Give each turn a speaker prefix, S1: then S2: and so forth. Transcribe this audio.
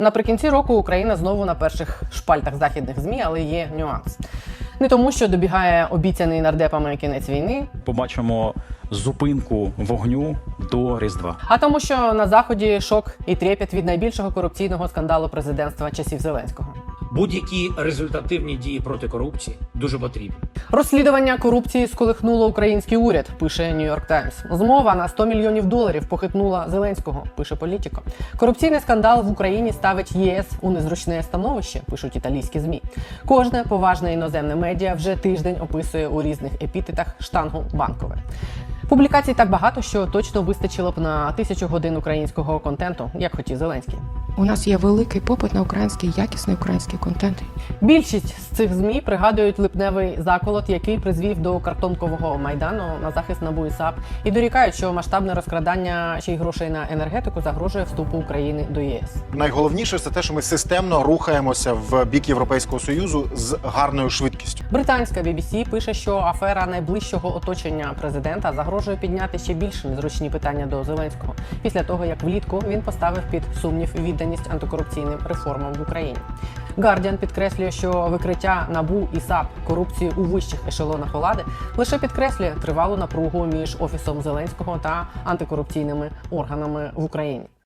S1: Наприкінці року Україна знову на перших шпальтах західних ЗМІ, але є нюанс. Не тому, що добігає обіцяний нардепами кінець війни,
S2: Побачимо зупинку вогню до Різдва.
S1: а тому, що на Заході шок і трепет від найбільшого корупційного скандалу президентства часів Зеленського.
S3: Будь-які результативні дії проти корупції дуже потрібні.
S1: Розслідування корупції сколихнуло український уряд, пише New York Times. Змова на $100 мільйонів похитнула Зеленського, пише Політіко. Корупційний скандал в Україні ставить ЄС у незручне становище, пишуть італійські ЗМІ. Кожне поважне іноземне медіа вже тиждень описує у різних епітетах штангу Банкове. Публікацій так багато, що точно вистачило б на 1000 годин українського контенту, як хотів Зеленський.
S4: У нас є великий попит на український, якісний український контент.
S1: Більшість з цих ЗМІ пригадують липневий заколот, який призвів до картонкового майдану на захист НАБУ і САП, і дорікають, що масштабне розкрадання ще й грошей на енергетику загрожує вступу України до ЄС.
S5: Найголовніше це те, що ми системно рухаємося в бік Європейського Союзу з гарною швидкістю.
S1: Британська BBC пише, що афера найближчого оточення президента загрожує підняти ще більш незручні питання до Зеленського, після того, як влітку він поставив під сумнів відданість антикорупційним реформам в Україні. Guardian підкреслює, що викриття НАБУ і САП корупції у вищих ешелонах влади лише підкреслює тривалу напругу між Офісом Зеленського та антикорупційними органами в Україні.